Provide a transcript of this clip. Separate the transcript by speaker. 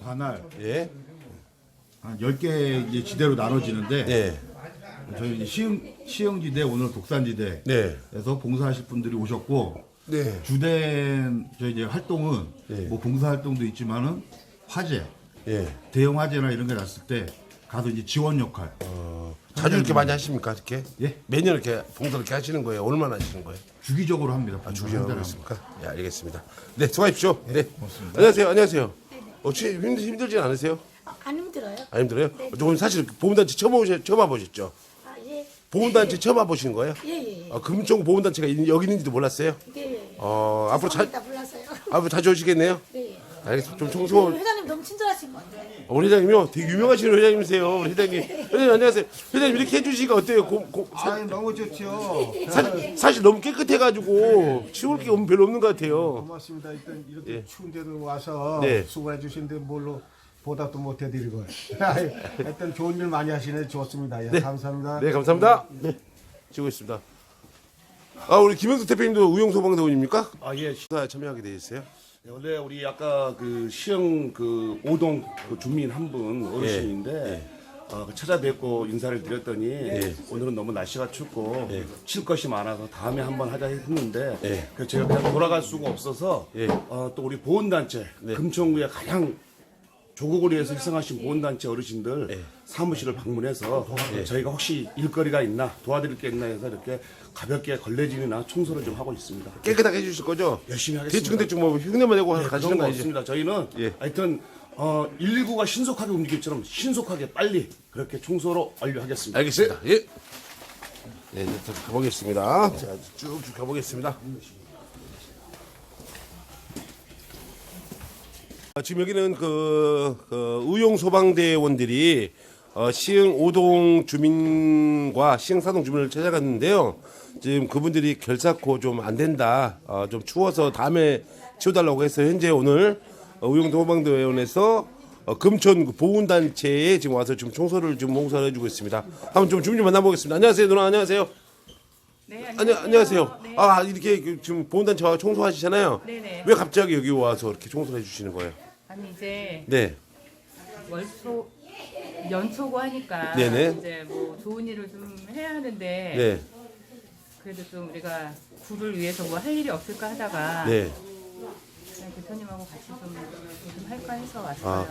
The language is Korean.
Speaker 1: 관할
Speaker 2: 예.
Speaker 1: 한 10개 이제 지대로 나눠지는데
Speaker 2: 네.
Speaker 1: 저희 이제 시흥지대 오늘 독산지대에서
Speaker 2: 네.
Speaker 1: 봉사하실 분들이 오셨고
Speaker 2: 네.
Speaker 1: 주된 저희 이제 활동은
Speaker 2: 네.
Speaker 1: 뭐 봉사 활동도 있지만은 화재,
Speaker 2: 예.
Speaker 1: 대형 화재나 이런 게 났을 때 가서 이제 지원 역할.
Speaker 2: 자주 이렇게 많이 하십니까? 이렇게?
Speaker 1: 예?
Speaker 2: 매년 이렇게 봉사 이렇게 하시는 거예요? 얼마나 하시는 거예요?
Speaker 1: 주기적으로 합니다.
Speaker 2: 주기적으로 하겠습니까? 예, 알겠습니다. 네, 수고하십시오. 네. 고맙습니다. 안녕하세요. 안녕하세요. 혹시 힘들진 않으세요?
Speaker 3: 안 힘들어요?
Speaker 2: 안 힘들어요? 조금 사실 보험단체 처음 와보셨죠?
Speaker 3: 아, 예.
Speaker 2: 보험단체 처음 와보시는 거예요?
Speaker 3: 예, 예.
Speaker 2: 금총 보험단체가 여기 있는지도 몰랐어요?
Speaker 3: 예.
Speaker 2: 앞으로
Speaker 3: 죄송합니다. 몰랐어요.
Speaker 2: 앞으로 자주 오시겠네요?
Speaker 3: 예.
Speaker 2: 알겠습니다. 좀 청소.
Speaker 3: 회장님 너무 친절하신 것 같아요.
Speaker 2: 우리 회장님요? 되게 유명하신 회장님이세요. 우리 회장님. 회장님 안녕하세요. 회장님 이렇게 해주시니까 어때요?
Speaker 4: 너무 좋죠.
Speaker 2: 사실 너무 깨끗해가지고 치울 게 별로 없는 것 같아요.
Speaker 4: 고맙습니다. 일단 이렇게
Speaker 2: 예.
Speaker 4: 추운 데도 와서
Speaker 2: 네.
Speaker 4: 수고해 주신데 뭘로 보답도 못 해드리고. 하여튼 좋은 일 많이 하시네. 좋습니다. 예, 감사합니다.
Speaker 2: 네, 감사합니다. 네, 치고 있습니다. 우리 김영수 대표님도 우용소방대원입니까?
Speaker 5: 예.
Speaker 2: 수사에 참여하게 되셨어요?
Speaker 5: 네, 원래 우리 아까 그 시흥 그 오동 그 주민 한 분 어르신인데 찾아뵙고 인사를 드렸더니 오늘은 너무 날씨가 춥고 칠 것이 많아서 다음에 한번 하자 했는데 그래서 제가 그냥 돌아갈 수가 없어서 또 우리 보훈단체 금천구에 가장 조국거리에서 희생하신 보훈단체 어르신들 사무실을 방문해서 저희가 혹시 일거리가 있나 도와드릴 게 있나 해서 이렇게 가볍게 걸레질이나 청소를 좀 하고 있습니다.
Speaker 2: 깨끗하게 해주실 거죠?
Speaker 5: 열심히 하겠습니다.
Speaker 2: 대충 뭐 흉내만 내고
Speaker 5: 그런
Speaker 2: 가시는
Speaker 5: 거
Speaker 2: 거 아니죠?
Speaker 5: 없습니다. 저희는 하여튼 119가 신속하게 움직일처럼 신속하게 빨리 그렇게 청소로 완료하겠습니다.
Speaker 2: 알겠습니다. 예. 네, 이제 또 가보겠습니다. 자, 쭉쭉 가보겠습니다. 지금 여기는 그 의용소방대원들이 시흥 오동 주민과 시흥 사동 주민을 찾아갔는데요. 지금 그분들이 결사코 좀 안 된다. 좀 추워서 다음에 치워달라고 해서 현재 오늘 의용소방대원에서 금천 보훈단체에 지금 와서 지금 청소를 좀 봉사를 해주고 있습니다. 한번 좀 주민 좀 만나보겠습니다. 안녕하세요, 누나. 안녕하세요.
Speaker 6: 네,
Speaker 2: 안녕하세요.
Speaker 6: 네.
Speaker 2: 이렇게 지금 보훈단체 와 청소하시잖아요.
Speaker 6: 네네.
Speaker 2: 왜 갑자기 여기 와서 이렇게 청소를 해주시는 거예요?
Speaker 6: 아니 이제
Speaker 2: 네.
Speaker 6: 연초고 하니까
Speaker 2: 네네.
Speaker 6: 이제 뭐 좋은 일을 좀 해야 하는데
Speaker 2: 네.
Speaker 6: 그래도 좀 우리가 구를 위해서 뭐 할 일이 없을까 하다가
Speaker 2: 네.
Speaker 6: 그냥 대표님하고 같이 좀 할까 해서 왔어요.